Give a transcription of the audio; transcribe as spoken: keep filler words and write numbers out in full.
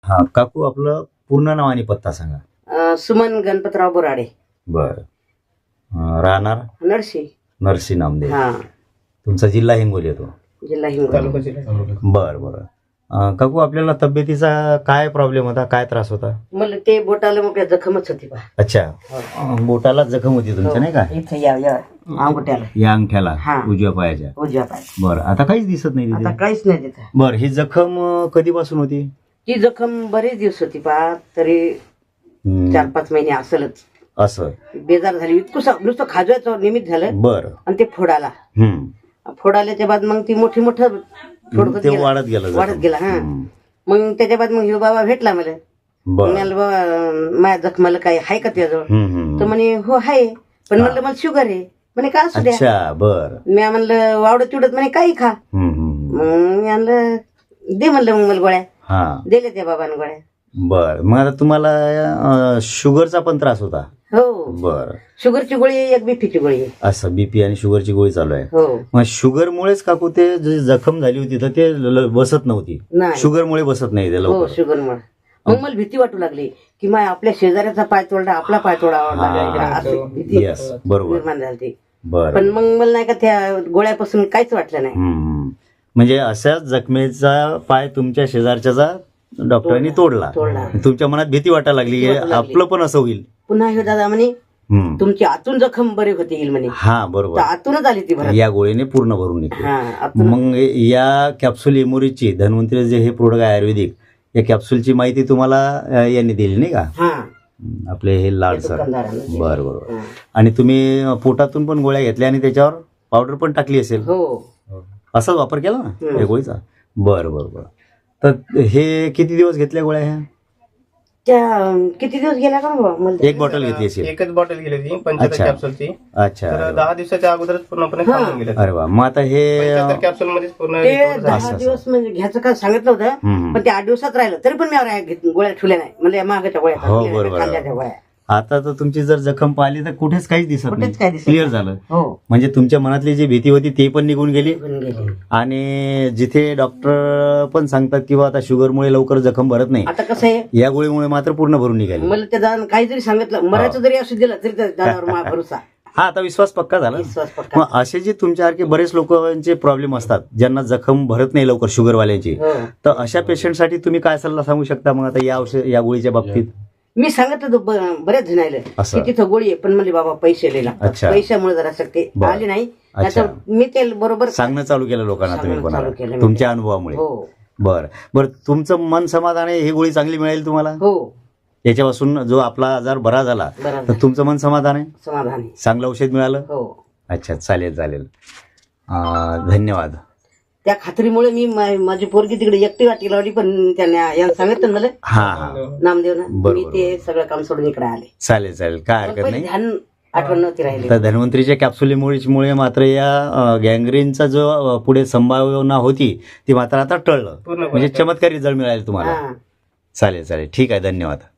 हा काकू आपलं पूर्ण नाव आणि पत्ता सांगा. अं, सुमन गणपतराव बोराडे, बर. राहणार नरशी. नरसी नामदेव. हा, तुमचा जिल्हा हिंगोली येतो. जिल्हा हिंगोली. बर बर. अं, काकू आपल्याला तब्येतीचा काय प्रॉब्लेम होता, काय त्रास होता? मला ते बोटाला मग जखमच होती बा. अच्छा. अं, बोटाला जखम होती तुमच्या नाही का? इथं या या अंगठ्याला, या अंगठ्याला हा. उजव्या पायाच्या. उजव्या पाय. बर. आता काहीच दिसत नाही आता तिथे. काहीच नाही तिथं. बर. ही जखम अं, कधीपासून होती? ती जखम बरेच दिवस होती बा, तरी हम्म, चार पाच महिने असलच. असं. बेजार झाली, इतकं नुसतं खाजवायचं निमित्त झालं बर. आणि ते फोडाला. हम्म. फोडाल्याच्या बाद मग ती मोठी मोठं फोड होत ते गेलं. वाढत गेलं जखम. वाढत गेला. हा. हम्म. मग त्याच्या बाद मग ह्यो बाबा भेटला मला. बर. म्हणाल बाबा माझ्या जखमाला काय हाय का त्याजवळ? हम्म, हम्म. तर म्हणे हो हाय, पण म्हणलं मला शुगर आहे. म्हणे का असू द्या. अच्छा. बर. मी म्हणलं वावडत चिडत म्हणे काही खा. हम्म, हम्म. मग मी म्हणलं दे म्हणलं मग मला गोळ्या. हा. दिले त्या बाबाने गोळ्या. बर. मग आता तुम्हाला अं, शुगरचा पण त्रास होता? हो, बर. शुगरची गोळी आहे, एक बीपीची गोळी आहे. असं बीपी आणि शुगरची गोळी चालू आहे. हो. मग शुगरमुळेच काकू ते जे जखम झाली होती तर ते ल- बसत नव्हती. नाही. शुगरमुळे बसत नाही ते हो, लवकर. शुगरमुळे. मग मला भीती वाटू लागली की माय आपल्या शेजाऱ्याचा पाय तोडला, आपला पाय तोडावा लागला, असं भीती येस. बरोबर. निर्माण झाली. बर. पण मग मला नाही का त्या गोळ्यापासून काहीच वाटलं नाही. हम्म. म्हणजे अशाच जखमेचा पाय तुमच्या शेजारच्याचा डॉक्टरांनी तोडला. तोडला. तुमच्या मनात भीती वाटायला लागली की भीती वाटायला लागली. आपलं पण असं होईल. पुन्हा ह्यो दादा म्हणे हम्म. तुमची आतून जखम बरी होती येईल म्हणे. हा तर बरोबर. आतूनच आली ती भरत. या गोळीने पूर्ण भरून निघते. हा, आतून. मग या कॅप्सूल इमोरीची धन्वंतरी जे हे प्रोडक्ट आहे आयुर्वेदिक, या कॅप्सूलची माहिती तुम्हाला अं, यांनी दिली नाही का? हा, हम्म, आपले हे लाड सर. दुकानदारानं दिली. बरं बरोबर. हा. आणि तुम्ही पोटातून पण गोळ्या घेतल्या आणि त्याच्यावर पावडर पण टाकली असेल, हो. असाच वापर केला ना हम्म. या गोळीचा? बरं बरं बरं. तर हे किती दिवस घेतल्या गोळ्या ह्या? त्या अं, किती दिवस गेला का बाबा मला? एक बॉटल घेतली असेल? एकच बॉटल गेली होती पंच्याहत्तर अच्छा. कॅप्सूलची. अच्छा. तर अरे वा. दहा दिवसाच्या अगोदरच पूर्णपणे हा. थांबून गेले. अरे वा. मग आता हे पंच्याहत्तर कॅप्सूल मध्येच पूर्ण ते recover झाले. दहा असं. दिवस म्हणजे घ्यायचं का सांगितलं होतं, हम्म. पण ते आठ दिवसात राहिलं तरी पण मी आवरा घेत- गोळ्या ठेवल्या नाही. म्हणजे मागाच्या गोळ्या हो, खाल्ल्या, बरोबर. खाल्ल्या त्या गोळ्या. आता तर तुमची जर जखम पाहिली तर कुठेच काहीच दिसत कुठेच नाही. काही दिसत क्लिअर नाही. झालं. हो, म्हणजे तुमच्या मनातली जी भीती होती ती पण निघून गेली. निघून गेली. आणि जिथे डॉक्टर पण सांगतात की बा आता शुगरमुळे लवकर जखम भरत नाही, आता कसं आहे, या गोळीमुळे मात्र पूर्ण भरून निघाली. मला त्या दादा काही जरी सांगितलं, मरायचं जरी असं दिलं तरी त्या दादावर माझा भरोसा, हा आता विश्वास पक्का झाला. विश्वास पक्का. मग असे जे तुमच्यासारखे बरेच लोकांचे प्रॉब्लेम असतात ज्यांना जखम भरत नाही लवकर शुगरवाल्यांची, हो. तर अशा पेशंटसाठी तुम्ही काय सल्ला सांगू शकता मग आता या औषध या गोळीच्या बाबतीत? मी सांगितलं होतं ब- बऱ्याच जणायला असं. की तिथं गोळी आहे, पण म्हणले बाबा पैसे लय लागतात. अच्छा. पैशामुळे जरा ते बरं. आले नाही. अच्छा. नाहीतर मी ते बरोबर सांगणं चालू केलं लोकांना तुम्ही सांगणं चालू कोणाला केलं मी. तुमच्या अनुभवामुळे? हो, बरं बरं. तुमचं मन समाधान आहे, ही गोळी चांगली मिळेल तुम्हाला हो, याच्यापासून? जो आपला आजार बरा झाला बरं तर तुमचं मन समाधान आहे, समाधान आहे. चांगलं औषध मिळालं? हो, अच्छा चालेल चालेल. अं, धन्यवाद. त्या खात्रीमुळे मी मा- माझी पोरगी तिकडे एकटी वाटी लावली, पण त्याने यांना सांगितलं ना मला हा हा नामदेवनं, बरोबर, मी ते सगळं काम सोडून इकडे आले. चालेल चालेल, काय पण हरकत पहिले नाही. ध्यान आठवण नव्हती राहिली. तर धन्वंतरीच्या कॅप्सुलीमुळे मात्र या गँग्रीनचा जो अं, पुढे संभावना होती ती मात्र आता टळलं. पूर्णपणे म्हणजे चमत्कारी रिझल्ट मिळाले तुम्हाला. हा. चालेल चालेल, ठीक आहे, धन्यवाद.